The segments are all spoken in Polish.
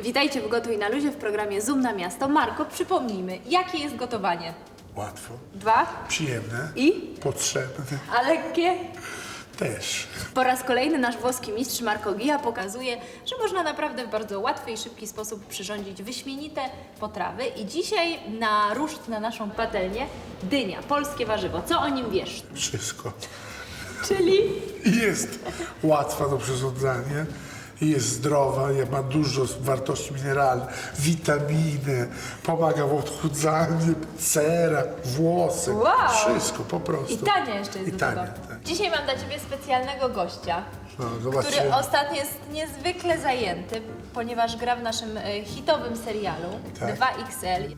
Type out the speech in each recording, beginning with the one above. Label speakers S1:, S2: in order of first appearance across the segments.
S1: Witajcie w Gotuj na Luzie w programie Zoom na Miasto. Marko, przypomnijmy, jakie jest gotowanie?
S2: Łatwo,
S1: 2
S2: przyjemne,
S1: i?
S2: potrzebne
S1: A lekkie?
S2: też.
S1: Po raz kolejny nasz włoski mistrz Marco Ghia pokazuje, że można naprawdę w bardzo łatwy i szybki sposób przyrządzić wyśmienite potrawy. I dzisiaj na ruszt na naszą patelnię dynia, polskie warzywo. Co o nim wiesz?
S2: Wszystko.
S1: Czyli?
S2: Jest łatwa do przyrządzania, jest zdrowa, ma dużo wartości mineralnych, witaminy, pomaga w odchudzaniu, cera, włosy,
S1: Wow.
S2: wszystko po prostu.
S1: I tania jeszcze jest
S2: I
S1: do
S2: tania,
S1: tego.
S2: tak.
S1: Dzisiaj mam dla Ciebie specjalnego gościa,
S2: No, zobaczcie.
S1: który ostatnio jest niezwykle zajęty, ponieważ gra w naszym hitowym serialu
S2: Tak.
S1: 2XL.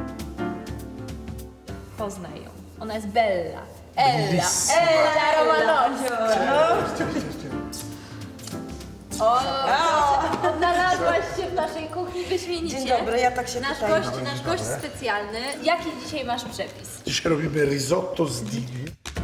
S1: Poznaj ją. Ona jest Bella. Ella.
S2: Bellissima.
S1: Ella Romanowicz. O, odnalazłaś się w naszej kuchni wyśmienicie.
S3: Dzień dobry, ja tak się
S1: Nasz
S3: pytam.
S1: gość, nasz gość specjalny. Jaki dzisiaj masz przepis?
S2: Dzisiaj robimy risotto z dini.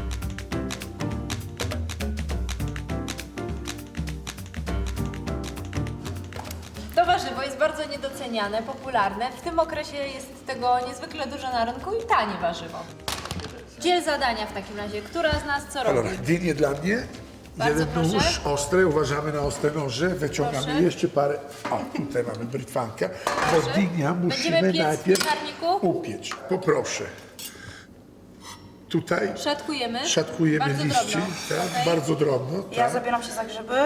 S1: To warzywo jest bardzo niedoceniane, popularne. W tym okresie jest tego niezwykle dużo na rynku i tanie warzywo. Dziel zadania w takim razie. Która z nas co robi?
S2: Dobra, dynie dla mnie.
S1: Bardzo
S2: Jeden nóż
S1: proszę.
S2: ostry, uważamy na ostre noże, wyciągamy
S1: Proszę.
S2: jeszcze parę. O, tutaj mamy brytwankę, bo dynia musimy
S1: Będziemy piec w
S2: najpierw
S1: piekarniku?
S2: upiec. Poproszę. Tutaj
S1: Szatkujemy.
S2: szatkujemy
S1: Bardzo
S2: liści,
S1: drobno.
S2: tak,
S1: Okej.
S2: bardzo drobno.
S3: Ja
S2: Tak.
S3: zabieram się za grzyby.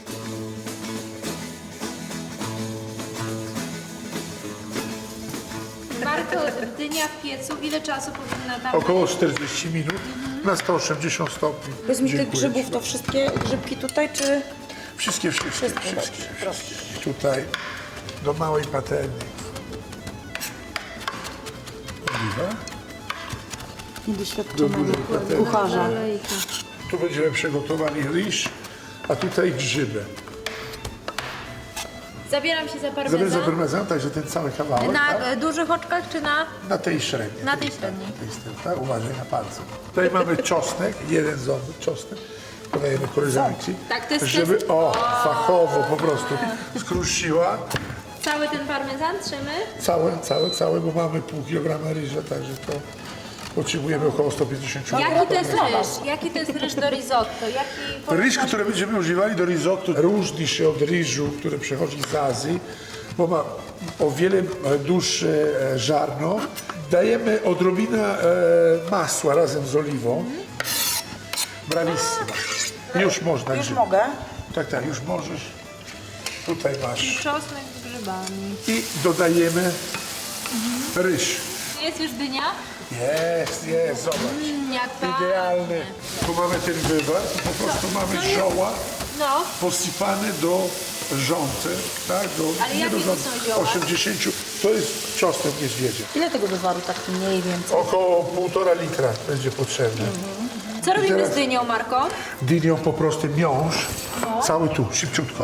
S1: Marko, dynia w piecu, ile czasu powinna tam
S2: Około 40 minut na 180 stopni.
S3: Powiedz mi tych
S2: Dziękuję
S3: grzybów,
S2: ci.
S3: to wszystkie grzybki tutaj, czy...
S2: Wszystkie.
S3: Wszystkie.
S2: Tutaj do małej patelni. Oliwa. Do
S3: Niedoświadczonego
S2: dużej patelni.
S3: kucharza.
S2: Tu będziemy przygotowali ryż, a tutaj grzyby.
S1: Zabieram się za
S2: Zabieram za
S1: parmezan.
S2: parmezan, także ten cały kawałek,
S1: Na
S2: tak?
S1: dużych oczkach czy na...
S2: Na tej średniej.
S1: Na tej średniej.
S2: Tak, uważaj na palce. Tutaj mamy czosnek, jeden ząb czosnek. Podajemy koleżanki,
S1: Tak, to jest
S2: żeby
S1: test.
S2: fachowo po prostu skrusiła.
S1: Cały ten parmezan trzymy.
S2: Całe, bo mamy pół kilograma ryża, także to potrzebujemy około 150 gramów.
S1: Jaki to jest ryż? Jaki to jest ryż do risotto? Jaki
S2: Ryż, który będziemy używali do risotto, różni się od ryżu, który przychodzi z Azji, bo ma o wiele dłuższe żarno. Dajemy odrobinę masła razem z oliwą. Brawissima. Już można.
S3: Już
S2: grzyby.
S3: mogę.
S2: Tak, już możesz. Tutaj masz.
S1: Czosnek z grzybami.
S2: I dodajemy ryż.
S1: Jest już dynia?
S2: Jest, zobacz.
S1: Jak
S2: Idealny. Tu mamy ten wywar, po prostu mamy zioła
S1: No,
S2: posypane do rządzy, tak?
S1: Ale
S2: nie
S1: jakie
S2: do
S1: to
S2: rządzy,
S1: są zioła?
S2: 80. To jest czosnek niedźwiedzia.
S3: Ile tego wywaru tak mniej więcej?
S2: Około 1,5 litra będzie potrzebne.
S1: co robimy
S2: teraz-
S1: z dynią, Marko?
S2: Dynią po prostu miąższ, cały tu, szybciutko.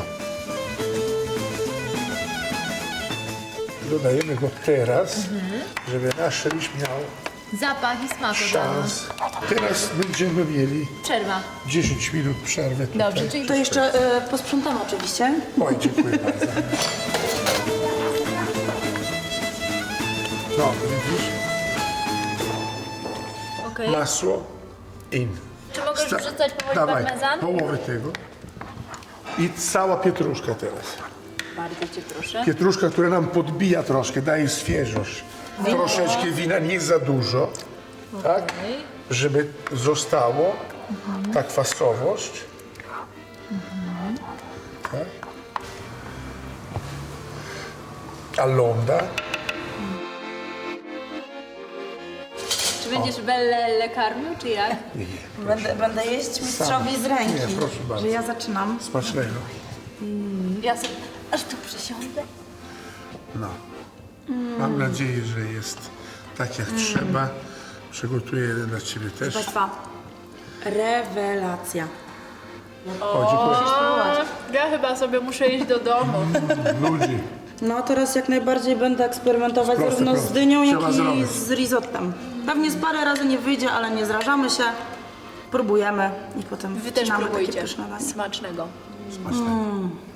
S2: Dodajemy go teraz, żeby nasz ryż miał
S1: Zapach i smak od razu.
S2: szans. Teraz będziemy mieli
S1: Przerwa.
S2: 10 minut przerwy. Tutaj.
S1: Dobrze, czyli
S3: To jeszcze posprzątam oczywiście.
S2: Oj, dziękuję bardzo. No, widzisz?
S1: okej.
S2: Masło in.
S1: Czy mogę już wrzucać powoli
S2: Dawaj,
S1: parmezan?
S2: połowę tego. I cała pietruszka teraz.
S1: Bardzo cię proszę.
S2: Pietruszka, która nam podbija troszkę, daje świeżość. Troszeczkę wina, nie za dużo, tak? Żeby zostało ta kwasowość. Tak? Allonda.
S1: Czy będziesz Bellę karmił, czy jak?
S3: Będę jeść mistrzowi z ręki.
S2: Nie, proszę bardzo.
S3: Że ja zaczynam.
S2: Smacznego.
S1: Ja sobie aż tu przysiądę.
S2: No. Mam nadzieję, że jest tak jak trzeba. Przygotuję jeden dla Ciebie też.
S3: Państwa, rewelacja.
S2: O, dziękuję.
S1: Ja chyba sobie muszę iść do domu.
S2: Ludzi.
S3: No teraz jak najbardziej będę eksperymentować
S2: Proste,
S3: zarówno z
S2: proste.
S3: dynią, jak
S2: Trzeba
S3: i
S2: zrobić.
S3: z risottem. Pewnie z parę razy nie wyjdzie, ale nie zrażamy się. Próbujemy i potem
S1: Wy też
S3: wcinamy takie
S1: próbujcie.
S3: pyszne danie.
S1: Smacznego.
S2: Smacznego.